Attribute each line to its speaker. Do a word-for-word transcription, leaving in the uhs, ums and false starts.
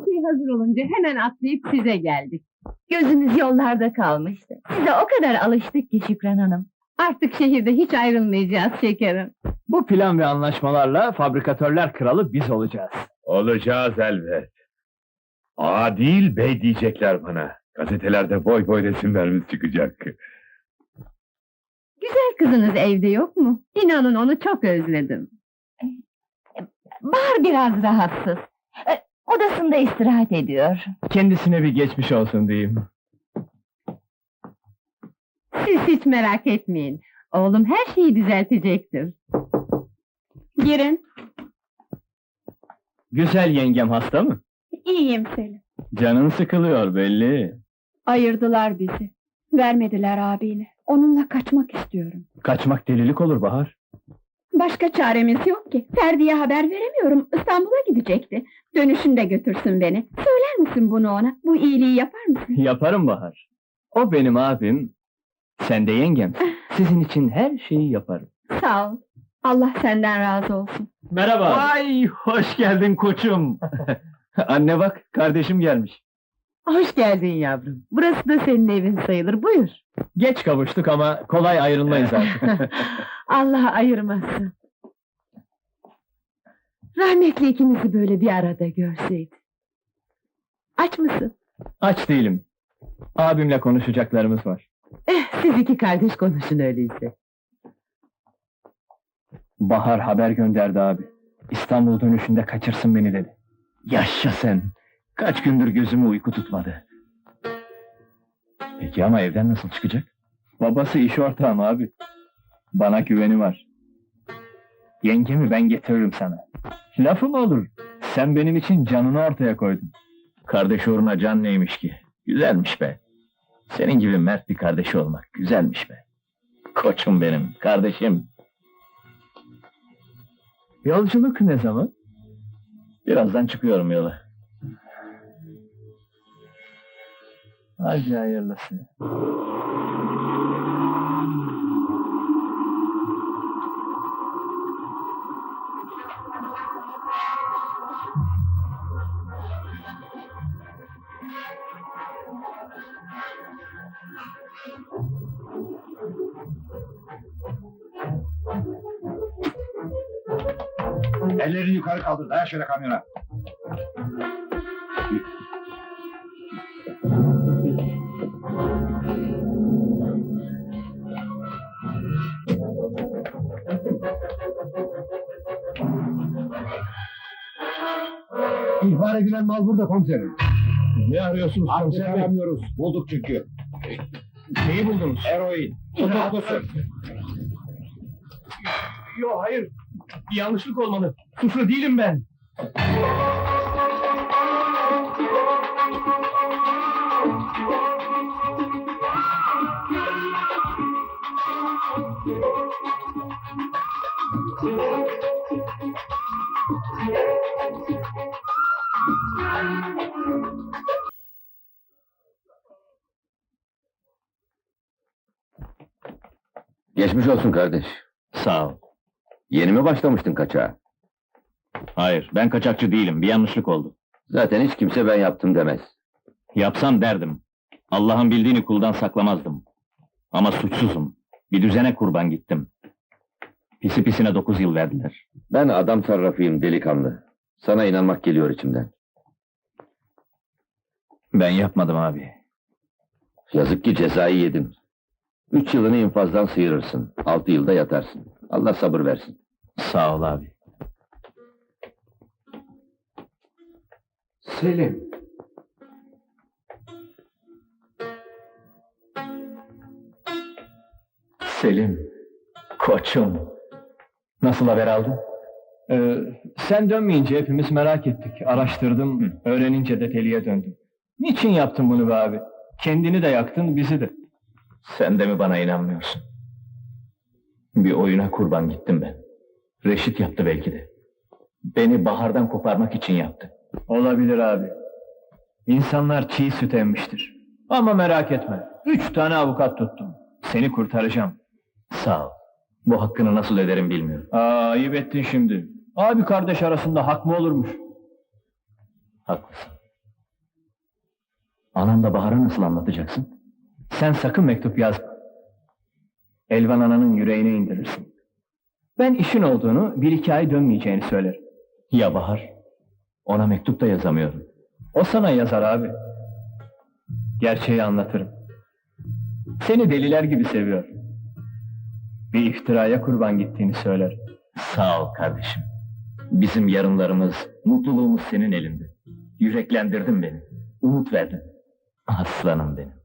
Speaker 1: şey hazır olunca hemen atlayıp size geldik.
Speaker 2: Gözümüz yollarda kalmıştı. Size o kadar alıştık ki Şükran Hanım.
Speaker 1: Artık şehirde hiç ayrılmayacağız şekerim.
Speaker 3: Bu plan ve anlaşmalarla fabrikatörler kralı biz olacağız.
Speaker 4: Olacağız elbet. Ağa değil bey diyecekler bana. Gazetelerde boy boy resimlerimiz çıkacak.
Speaker 1: Güzel kızınız evde yok mu? İnanın onu çok özledim.
Speaker 2: Bahar biraz rahatsız. E, Odasında istirahat ediyor.
Speaker 3: Kendisine bir geçmiş olsun diyeyim.
Speaker 1: Siz hiç merak etmeyin. Oğlum her şeyi düzeltecektir. Girin.
Speaker 3: Güzel yengem hasta mı?
Speaker 1: İyiyim Selim.
Speaker 3: Canın sıkılıyor belli.
Speaker 1: Ayırdılar bizi. Vermediler abini. Onunla kaçmak istiyorum.
Speaker 3: Kaçmak delilik olur Bahar.
Speaker 1: Başka çaremiz yok ki. Ferdi'ye haber veremiyorum. İstanbul'a gidecekti. Dönüşünde götürsün beni. Söyler misin bunu ona? Bu iyiliği yapar mısın?
Speaker 3: Yaparım Bahar. O benim abim. Sen de yengemsin. Sizin için her şeyi yaparım.
Speaker 1: Sağ ol. Allah senden razı olsun.
Speaker 3: Merhaba. Ay hoş geldin koçum. Anne bak kardeşim gelmiş.
Speaker 1: Hoş geldin yavrum. Burası da senin evin sayılır. Buyur.
Speaker 3: Geç kavuştuk ama kolay ayrılmayız artık.
Speaker 1: Allah ayırmasın. Rahmetli ikinizi böyle bir arada görseydi. Aç mısın?
Speaker 3: Aç değilim. Abimle konuşacaklarımız var.
Speaker 1: Eh, siz iki kardeş konuşun öyleyse.
Speaker 3: Bahar haber gönderdi abi. İstanbul dönüşünde kaçırsın beni dedi. Yaşa sen! Kaç gündür gözümü uyku tutmadı. Peki ama evden nasıl çıkacak? Babası iş ortağım abi. Bana güveni var. Yengemi ben getiririm sana. Lafı mı olur? Sen benim için canını ortaya koydun. Kardeş uğruna can neymiş ki? Güzelmiş be. Senin gibi mert bir kardeşi olmak güzelmiş be. Koçum benim, kardeşim. Yolculuk ne zaman? Birazdan çıkıyorum yola. Hadi hayırlısı.
Speaker 4: Ellerini yukarı kaldır, dayan şöyle kamyona. İhbar edilen mal burada komiserim.
Speaker 3: Ne arıyorsunuz
Speaker 4: Adresi
Speaker 3: komiser bey?
Speaker 4: aramıyoruz, bulduk çünkü.
Speaker 3: Neyi buldunuz?
Speaker 4: Eroin, tutuklusun.
Speaker 3: Yok hayır. Bir yanlışlık olmalı. Suçlu değilim ben.
Speaker 5: Geçmiş olsun kardeş.
Speaker 3: Sağ ol.
Speaker 5: Yeni mi başlamıştın kaçağa?
Speaker 3: Hayır, ben kaçakçı değilim. Bir yanlışlık oldu.
Speaker 5: Zaten hiç kimse ben yaptım demez.
Speaker 3: Yapsam derdim. Allah'ın bildiğini kuldan saklamazdım. Ama suçsuzum. Bir düzene kurban gittim. Pisi pisine dokuz yıl verdiler.
Speaker 5: Ben adam sarrafıyım delikanlı. Sana inanmak geliyor içimden.
Speaker 3: Ben yapmadım abi.
Speaker 5: Yazık ki cezayı yedin. Üç yılını infazdan sıyırırsın. Altı yılda yatarsın. Allah sabır versin.
Speaker 3: Sağ ol abi.
Speaker 5: Selim.
Speaker 3: Selim. Koçum. Nasıl haber aldın? Ee, sen dönmeyince hepimiz merak ettik. Araştırdım, Hı. öğrenince de teliye döndüm. Niçin yaptın bunu be abi? Kendini de yaktın, bizi de. Sen de mi bana inanmıyorsun? Bir oyuna kurban gittim ben. Reşit yaptı belki de. Beni Bahar'dan koparmak için yaptı. Olabilir abi. İnsanlar çiğ süt emmiştir. Ama merak etme. Üç tane avukat tuttum. Seni kurtaracağım. Sağ ol. Bu hakkını nasıl öderim bilmiyorum. Aa, ayıp ettin şimdi. Abi kardeş arasında hak mı olurmuş? Haklısın. Anamla Bahar'a nasıl anlatacaksın? Sen sakın mektup yazma. Elvan ananın yüreğine indirirsin. Ben işin olduğunu, bir iki ay dönmeyeceğini söylerim.
Speaker 5: Ya Bahar? Ona mektup da yazamıyorum.
Speaker 3: O sana yazar abi. Gerçeği anlatırım. Seni deliler gibi seviyor. Bir iftiraya kurban gittiğini söyler.
Speaker 5: Sağ ol kardeşim. Bizim yarınlarımız, mutluluğumuz senin elinde. Yüreklendirdin beni. Umut verdin. Aslanım benim.